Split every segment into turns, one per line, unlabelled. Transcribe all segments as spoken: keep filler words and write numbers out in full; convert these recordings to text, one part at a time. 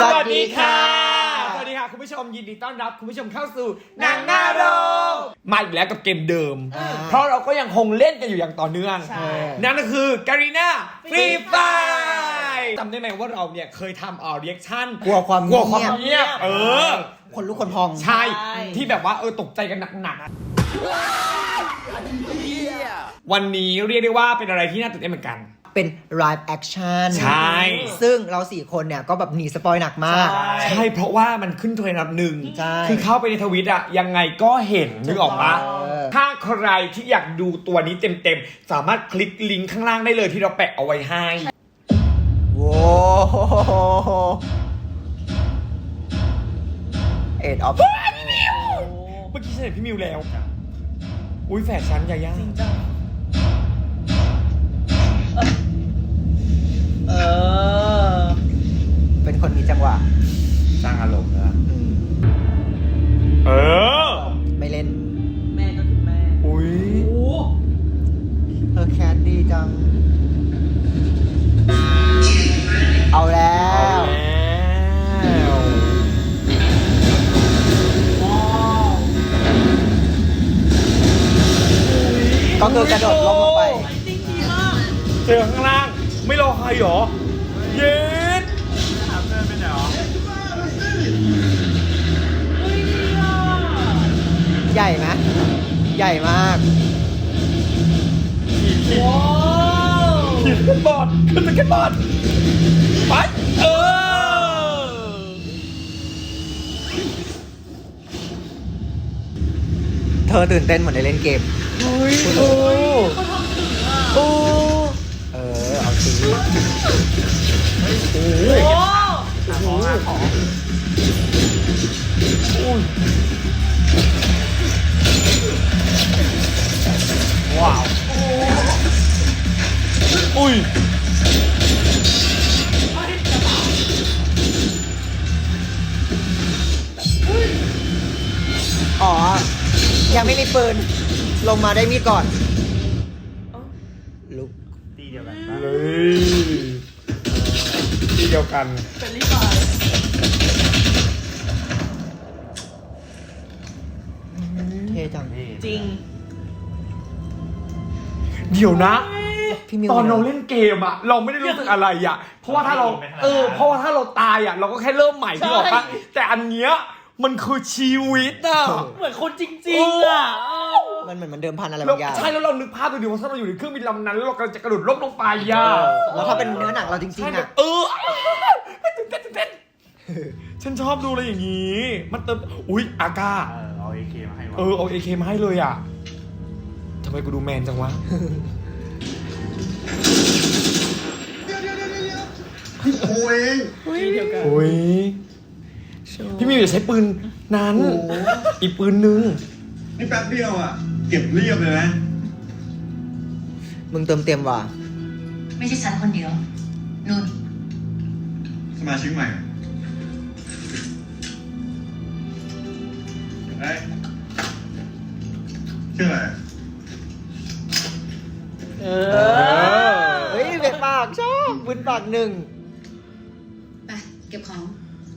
สวัสดีค่ะสวัสดีค่ะคุณผู้ชมยินดีต้อนรับคุณผู้ชมเข้าสู่หนังหน้าโรงมาอีกแล้วกับเกมเดิมเพราะเราก็ยังคงเล่นกันอยู่อย่างต่อเนื่องนั่นก็คือการีนาฟรีไฟจำได้ไหมว่าเราเนี่ยเคยทำอ่าเรีแอคชั่น
กลัวความ
กลัวความเงียบเออ
คนลุกคนพอง
ใช่ที่แบบว่าเออตกใจกันหนักๆวันนี้เรียกได้ว่าเป็นอะไรที่น่าตื่นเต้นเหมือนกัน
เป็น live action
ใช่
ซึ่งเราสี่คนเนี่ยก็แบบหนีสปอยหนักมาก
ใช่เพราะว่ามันขึ้นเทรนด์อันดับหนึ่ง
ใช่
คือเข้าไปในทวิตอะยังไงก็เห็นนึกออกปะถ้าใครที่อยากดูตัวนี้เต็มๆสามารถคลิกลิงก์ข้างล่างได้เลยที่เราแปะเอาไว้ให้
โว้เอ็ดออฟ
เมื่อกี้ฉันเห็นพี่มิวแล้วอุ้ยแฝดชั้นยาย่า
เออเป็นคนมีจังหวะ
สร้างอารมณ์นะเออ
ไม่เล่น
แม่ก็คือแม่
อุ้ย
เธอแคสดีจังเอาแล้วก็คือกระโดดลงลงไป
เจอข้างล่างไม่รอใครหรอเย็ดถามเพื่อนไปไหนหรอ
ใหญ่ไหมใหญ่มาก
ว้าวขึ้นสเก็ตบอร์ดขึ้นสเก็ตบอร์ดไปเออ
เธอตื่นเต้นเหมือนได้เล่นเกม
โอ้ยโอ้
เขาทำถึงอ่ะ
โอ้เออเอาสิ
โอ้โหโอ้โหว้าวอุ้ย
อ๋อยังไม่มีปืนลงมาได้มีดก่อนลุก
ตีเดียวกันเลยตีเดียวกัน
เป็นรีบาย
เท่จัง
จริง
เดี๋ยวนะตอนเราเล่นเกมอะเราไม่ได้รู้สึกอะไรอะเพราะว่าถ้าเราเออเพราะว่าถ้าเราตายอะเราก็แค่เริ่มใหม่ที่บอกปะแต่อันเนี้ยมันคือชีวิตอะ
เหมือนคนจริงๆอะ
มันเหมือนมันเดิมพันอะไรบางอย่าง
ใช่แล้วเรานึกภาพดูดิว่าถ้าเราอยู่ในเครื่องบินลำนั้นแล้วเรากำลังจะกระโดดล่มลงไปอะ
แล้วถ้าเป็นเนื้อหนังเราจริงๆอะ
เออตื่นเต้นตื่นเต้นฉันชอบดูอะไรอย่างนี้มันเติมอุ๊ยอาก้า
เอาเอเคมาให้
เออเอาเอเคมาให้เลยอะทำไมกูดูแมนจังวะ
พี่โคเอง
โอ้ยพี่มิวอย่าใช้ปืนนั้นอีกปืนนึง
นี่แป๊บเดียวอ่ะเก็บเรียบเลยนะ
มึงเติมเต็มว่ะ
ไม่ใช่ฉันคนเดียวนุ่น
สมาชิกใหม่เฮ้ยชื่ออะไร
เออเฮ้ยเบ็ดปากชอบบุญปากหนึ่ง
ไปเก็บของ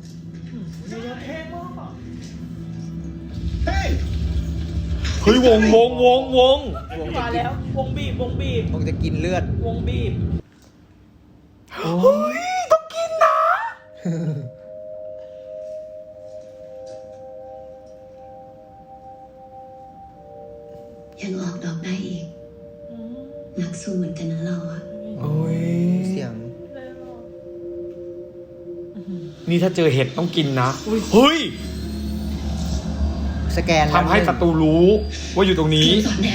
เฮ้ย
เฮ้ยวงวงวงวง
มาแล้ววงบีบวงบีบ
วงจะกินเลือด
วงบีบ
เฮ้ยต้องกินนะ
ยังออกดอกได้อีกนักสู้เหมือนกันนะเราอะ
โอ้ย
เสียง
นี่ถ้าเจอเห็ดต้องกินนะเฮ้ย
สแกน
ทำให้ศัตรูรู้ว่าอยู่ตรงนี้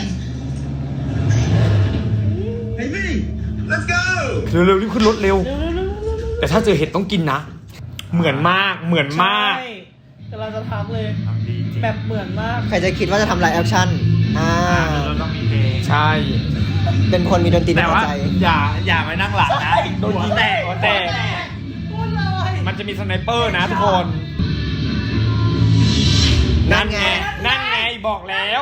เฮ้ยพี่ let's go
เร็วๆรีบขึ้นรถเร็วแต่ถ้าเจอเห็ดต้องกินนะเหมือนมากเหมือนมาก
กำลังจะทักเลยแบบเหมือนมาก
ใครจะคิดว่าจะทำไลฟ์แอคชั่นอ่า
ต้องมีเพลง
ใช่
เป็นคนมีดนตรีในหัวใจ
อย่าอย่าไปนั่งหลังนะโดนยิงแตกหัวแตกมันจะมีสไนเปอร์นะทุกคนนั่นไงนั่นไงบอกแล้ว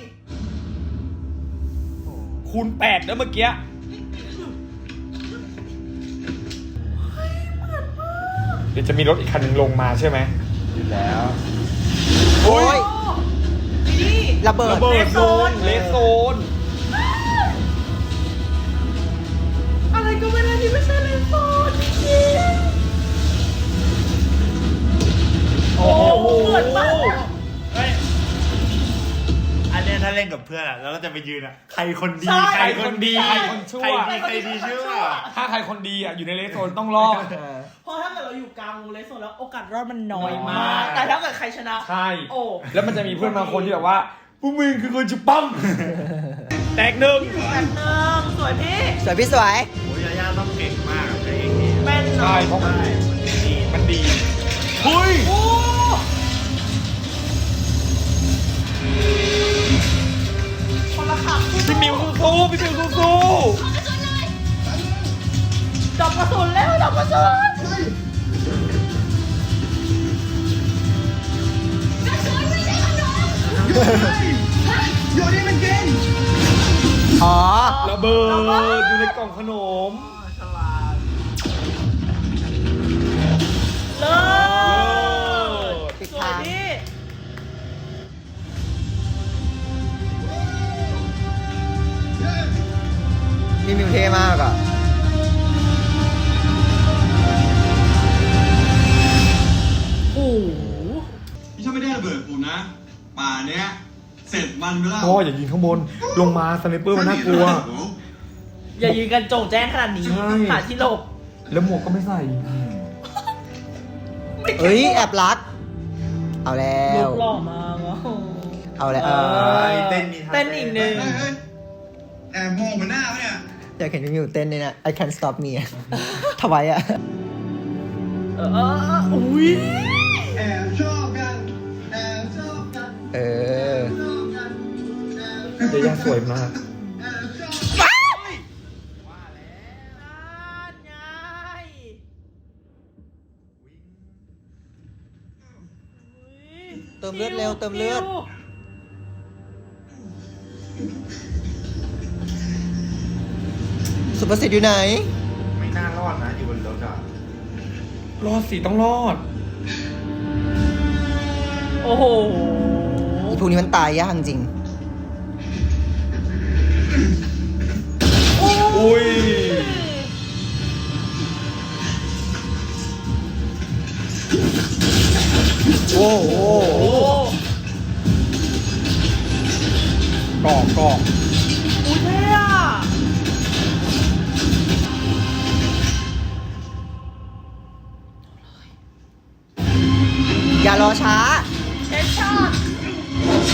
คูณแปดแล้วเมื่อกี้
เ
เดี๋ยวจะมีรถอีกคันหนึ่งลงมาใช่ไหม
อยู่แล้ว
โอ้ย
นี่
ระเบิด
ระเบิดโซนเลสโซน
อะไรก็ไม่ได้ที่ไม่ใช่เลนโซนจริง
โอ้โห
เหมือนมาก
เฮ้ยอันเนี้ยถ้าเล่นกับเพื่อนอะแล้วเราจะไปยืนอะใครคนดี
ใครคนดีใครคนชั่ว
ใครดีใครดีชั่ว
ถ้าใครคนดีอ่ะอยู่ในเลสโซนต้องรอด
เพราะถ้าเกิดเราอยู่กลางวงเลนโซนแล้วโอกาสรอดมันน้อยมาก
น้อยมาก
แต่ถ้าเกิดใครชนะ
ใช่
โอ้
แล้วมันจะมีเพื่อนบางคนที่แบบว่าพวกมึงคือคนจะปั้มแตกหนึ่ง
แบบหนึ่งสวยพี่
สวยพี่สวย
โอ้ยยาย่าต้องเก่งมากในเองนี้
แม่น
ใช่
เนาะ
เพราะมัน
ใช่มันดี
มันดีเฮ้ย
โอ้คนละขับ
พี่มิวสู้ๆพี่มิวสู้
ดับกระสุนแล้วดับกระสุน
อยู่นี่มันกิน
อ๋อ
ๆระเบิดอยู่ในกล่องขนม
ฉลาด
เลิศ
ปิด
สวย
ทาง
พี่
พี่มิวเท่มากอ่ะ
โอ้โห
นี่ถ้าไม่ได้ระเบิดผมนะ ป่าเนี้ย เสร็จมันไปแล้ว
พ่ออย่ายิงข้างบนลงมาสไนเปอร์มันน่ากลัว
อย่ายืนกันโจงแจ้งขนาดนี้
ใช่
หาที่หลบ
แล้วหมวกก็ไม่ใส่
เอ้ย แอบรัก เอาแล้
รู
ว
ปหล่อมากอ่ะ
เอาแล้ว
เอ
เอ
อ
อ
เต้นมีท่า
เต้นอีกหนึ่ง
เฮ้ยเฮ้ยแอบมองมันหน้าปะเนี่ย
อยากเห็นพี่มิวเต้นเลยนะ I can't stop me ทำไมอ่ะ
เออเออเอออุ้ย
แอบชอบกัน แอบชอบกัน
เออ
ชอบกันแอบ
เดย่าสวยมาก
แอบชอบ
นั่นไง
เติมเลือดเร็วเติมเลือด สุภสิทธิ์อยู่ไหน
ไม่น่ารอดนะอยู่บนรถอะ
รอดสิต้องรอด
โอ้โห
อีพวกนี้มันตายยากจริง
อุ้ย
โอ้โห
โอ้
กรอบกรอบ
อุ้ยเท่อะ
อย่ารอช้า
เฮดช็อต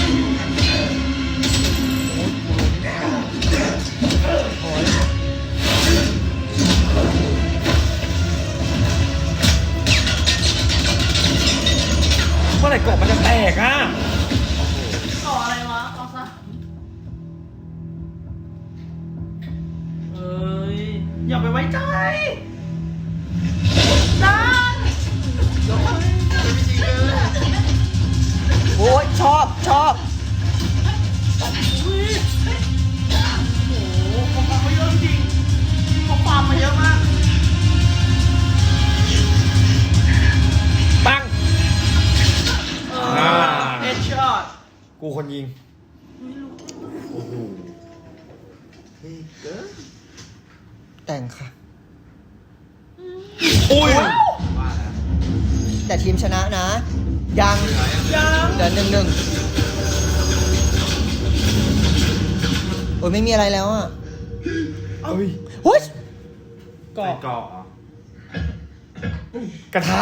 เมื่อไหร่กรอบมันจะแตกอ่ะ
ต่ออะไรวะเอาซะเอ้ย อย่าไปไว้ใจนั่น
โอ้ยชอบชอบ
อุ้ยโอ้โหเขาฟาร์มมาเยอะจริงเขาฟาร์มมาเยอะมาก
ปัง
เอ
อ่า
อเฮดช็อต
กูคนยิง
โอ้โหเฮ้ยเกิน
แต่งค่ะ
อุ้ย
ว่าแล้ว
แต่ทีมชนะนะ ยัง
ยัง
เดือนหนึ่งหนึ่งโอ้ยไม่มีอะไรแล้วอ่ะ
เฮ้ย
หุ้ย
กรอ
ใส่
บ
เกาะเหรอก
ระทะ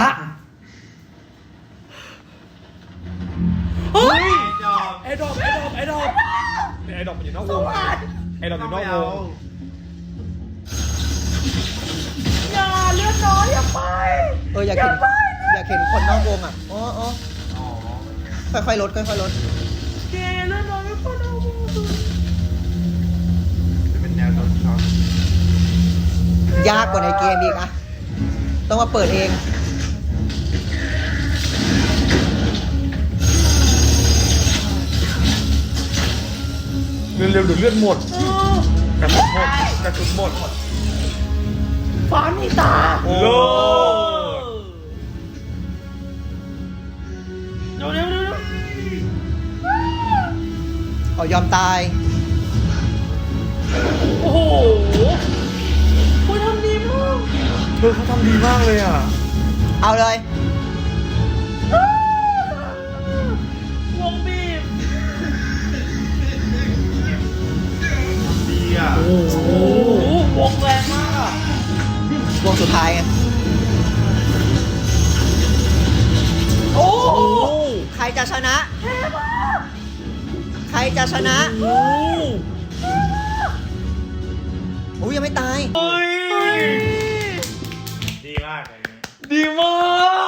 เฮ้ย
จอบ
ไอ้ดอกไอ้ดอกไอ้ดอกไอ้ดอกมันอยู่นอกวงไอ้ดอกอยู่นอกวง
อย่าเลือดน้อยอย่าไป
เอออยากเห็นอยากเห็นคนนอกวงอ่ะอ๋ออ๋อ
อ๋อ
ค่อยๆลดค่อยๆลด
เกเลือดน้อยไม่พอนะ
จะเป็นแนวโดนช็อต
ยากกว่าในเกมอีกอะต้องมาเปิดเอง
เร็วๆเดี๋ยวเลือดหมด
เออก
ระสุนหมดกระสุนหมด
ฟ้ามีตา
โล
เออเร็วเร็วเร็วเร็ว
อ๋อยอมตาย
โอ้โหคุยทำดีมาก
เธอเขาทำดีมากเลยอ่ะ
เอาเลย
วงบีบ
ดีอ่ะ
โอ้โหวงแรงมากอ่ะ
วงสุดท้ายไง
โอ้โห
ใครจะชนะ ใครจะชนะอุ้ยยังไม่ตาย
เฮ้ย
ดีมากเลย
ดีมาก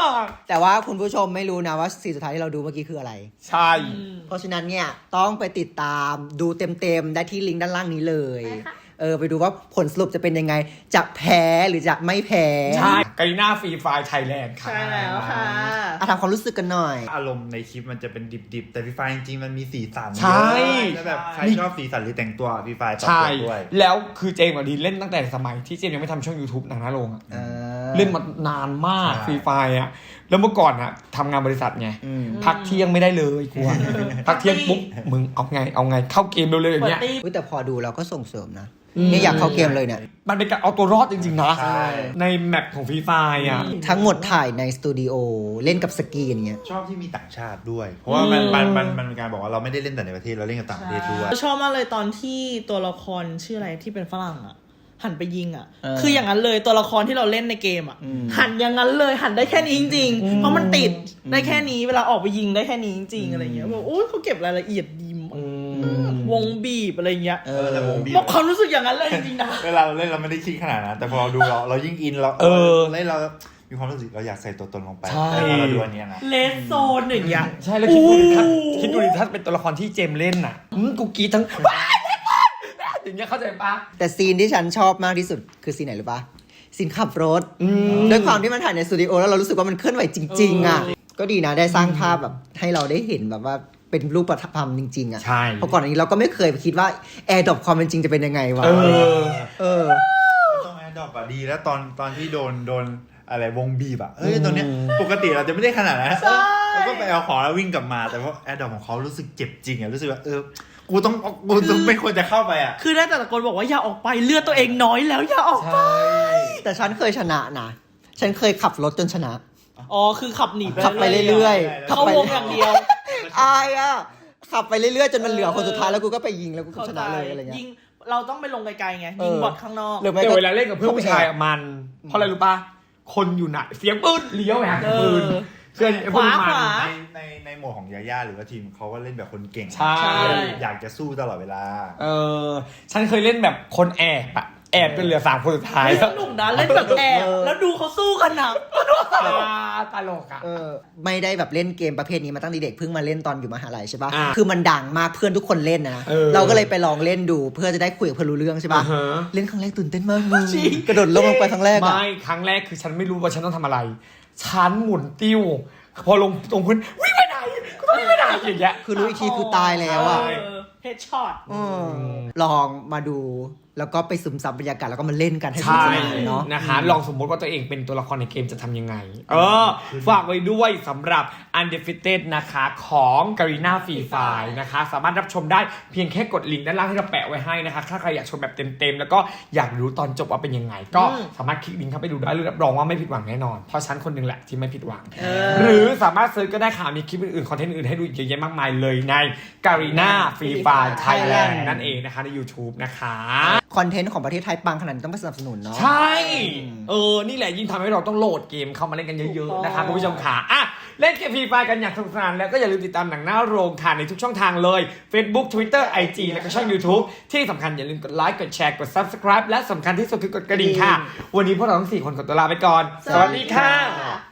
แต่ว่าคุณผู้ชมไม่รู้นะว่าซีนสุดท้ายที่เราดูเมื่อกี้คืออะไร
ใช่
เพราะฉะนั้นเนี่ยต้องไปติดตามดูเต็มๆได้ที่ลิงก์ด้านล่างนี้เลย เออไปดูว่าผลสรุปจะเป็นยังไง จะแพ้หรือจะไม่แพ้
ใช่กาลิน่าฟรีไฟล์ไทยแลนด์ค่ะ
ใช่แล้วค่ะ
อ่ะทำความรู้สึกกันหน่อย
อารมณ์ในคลิปมันจะเป็นดิบๆแต่พี่ไฟจริงๆมันมีสีสัน
ใช่
แล้วแบบใครชอบสีสันหรือแต่งตัวพี่ไฟตอบ
ใช่
โจทย์ด้วย
แล้วคือเจมส์กับดีเล่นตั้งแต่สมัยที่เจมส์ยังไม่ทำช่อง YouTube หนังหน้าโรงอะ
เออ
เล่นมานานมาก
ใช่
ฟรีไฟล์อะแล้วเมื่อก่อนอะทำงานบริษัทไง
อืม
พักเที่ยงไม่ได้เลยกลัวพักเที่ยงปุ๊บมึงเอาไงเอาไงเข้าเกมเร็วๆอย่างเงี้ย
อุ๊ยแต่พอดูเราก็ส่งเสริมนะเนี่ยอยากเข้าเกมเลยเนี่ย
มันเป็นการเอาตัวรอดจริงๆนะ
ใช่
ในแมปของฟรีไฟล์อะ
ทั้งหมดถ่ายในสตูดิโอเล่นกับสกรีนเงี้ย
ชอบที่มีต่างชาติด้วย เพราะว่ามันมันมันมันเป็นการบอกว่าเราไม่ได้เล่นแต่ในประเทศเราเล่นกับต่างประเทศด้วย
ชอบมากเลยตอนที่ตัวละครชื่ออะไรที่เป็นฝรั่งอ่ะ หันไปยิงอ่ะ
เออ
คืออย่างนั้นเลยตัวละครที่เราเล่นในเกมอ่ะ
อืม
หันอย่างนั้นเลยหันได้แค่นี้จริงๆเพราะมันติดได้แค่นี้เวลาออกไปยิงได้แค่นี้จริงๆอะไรเงี้ยแบบโอ้ยเขาเก็บรายละเอียดดีมากวงบีบอะไรเงี้ย
เอ
เอ
อ
อแต่วงบีบ
บอกความรู้สึกอย่างนั้นเลยจริงๆนะ
เวลาเราเล่นเราไม่ได้คิดขนาดนั้นแต่พอเราดูเราเรายิ่งอินเรา
เออ
เล่นเรามีความรู้สึกเราอยากใส่ตัวตนลงไป
ใช่
แต่พอเราดูอันเนี้ยนะ
เลสโซนอย่างเงี้ย
ใช่แล้วคิดดูดิถ้าคิดดูดิถ้าเป็นตัวละครที่เจมส์เล่นน่ะอืมกูกรีดทั้งว้ายอย่างเงี้ยเข้าใจปะ
แต่ซีนที่ฉันชอบมากที่สุดคือซีนไหนหรือปะซีนขับรถด้วยความที่มันถ่ายในสตูดิโอแล้วเรารู้สึกว่ามันเคลื่อนไหวจริง ๆ อ่ะ ก็ดีนะได้สร้างภาพแบบให้เราได้เห็นแบบว่าเป็นรูปธรรมจริง ๆ อ่ะ
ใช่
เพราะก่อนอันนี้เราก็ไม่เคยคิดว่าแอร์ดรอปความเป็นจริงจะเป็นยังไงวะ
เออ
เออ
ต้องแอดดอปอะดีแล้วตอนตอนที่โดนโดนอะไรวงบีบอะเฮ้ยตอนเนี้ยปกติเราจะไม่ได้ขนาดนั้นเราก็ไปเอาของแล้ววิ่งกลับมาแต่ว่าแอดดอปของเขารู้สึกเจ็บจริงอะรู้สึกว่าเออกูต้องกูต้องไม่ควรจะเข้าไปอะ
คือได้แต่ตะโกนบอกว่าอย่าออกไปเลือดตัวเองน้อยแล้วอย่าออกไป
แต่ฉันเคยชนะนะฉันเคยขับรถจนชนะ
อ๋อคือขับหนีไป
ขับไปเรื่อยๆ
เข้าวงอย่างเดียว
อายอ่ะขับไปเรื่อยๆจนมันเหลือคนสุดท้ายแล้วกูก็ไปยิงแล้วกูก็ชนะเลยอะไรเงี้ย
ยิงเราต้องไปลงไกลๆไง
เออ
ยิงบอดข้างนอก
หรือไม่
แต่
ก็
เวลาเล่นกับเพื่อนผู้ชายอะมัน เพราะอะไรรู้ปะคนอยู่ไหนเสียงปืนเลี้ยวไปหาเสียงปืน
เออ
เพื่อนไอ้พวกนี้
ขวา
มัน
ขวา
ในในในโหมดของยาย่าหรือว่าทีมเขาก็เล่นแบบคนเก่ง
ใช่
อยากจะสู้ตลอดเวลา
เออฉันเคยเล่นแบบคนแอบอะแอบจนเหลือสามคนสุดท้าย
สนุกนะเล่นแบบแอบแล้วดูเขาสู้กันนะ
ตลกอะ
เออไม่ได้แบบเล่นเกมประเภทนี้มาตั้งแต่เด็กเพิ่งมาเล่นตอนอยู่มหาลัยใช่ปะ
อ่า
คือมันดังมากเพื่อนทุกคนเล่นนะ
เออ
เราก็เลยไปลองเล่นดูเพื่อจะได้คุยกับเพื่อนรู้เรื่องใช่ปะ
อ่าฮะ
เล่นครั้งแรกตื่นเต้นมากมึงกระโดดลงลงไปครั้งแรกอะ
ไม่ครั้งแรกคือฉันไม่รู้ว่าฉันต้องทำอะไร ฉันหมุนติ้ว พอลงตรงพื้นวิ่งไปไหนกูต้องวิ่งไปไหนอย่างเงี้ย
คือรู้อีกทีคือตายแล้วอะ
เฮดช็อต
เออลองมาดูแล้วก็ไปซึมซับบรรยากาศแล้วก็มาเล่นกันให้ส
ใช่
นุกเนาะ
นะคะลองสมมติว่าตัวเองเป็นตัวละครในเกมจะทำยังไง เออ ฝากไว้ด้วยสำหรับ Undefeated นะคะของ Garena Free Fire นะคะ สามารถรับชมได้เพียงแค่กดลิงก์ด้านล่างที่เราแปะไว้ให้นะคะ ถ้าใครอยากชมแบบเต็มๆ แล้วก็อยากรู้ตอนจบว่าเป็นยังไง ก็สามารถคลิกลิงก์เข้าไปดูได้รับรองว่าไม่ผิดหวังแน่นอน เพราะฉันคนหนึ่งแหละที่ไม่ผิดหวัง หรือสามารถเซิร์ชก็ได้ค่ะมีคลิปอื่นๆคอนเทนต์อื่นให้ดูอีกเยอะแยะมากมายเลยใน Garena Free Fire Thailand นั่นเองนะคะใน YouTube นะคะ
คอนเทนต์ของประเทศไทยปังขนาดนี้ต้องไปสนับสนุนเนาะ
ใช่ เออ นี่แหละยิ่งทำให้เราต้องโหลดเกมเข้ามาเล่นกันเยอะๆนะคะคุณผู้ชมค่ะอ่ะ เล่นเกมฟรีไฟกันอย่างสนุกสนานแล้วก็อย่าลืมติดตามหนังหน้าโรงค่ะในทุกช่องทางเลย Facebook Twitter ไอ จี แล้วก็ช่อง YouTube ที่สำคัญอย่าลืมกดไลค์กดแชร์กด Subscribe และสำคัญที่สุดคือกดกระดิ่งค่ะ วันนี้พวกเราทั้งสี่คนขอตัวลาไปก่อน สวัสดีค่ะ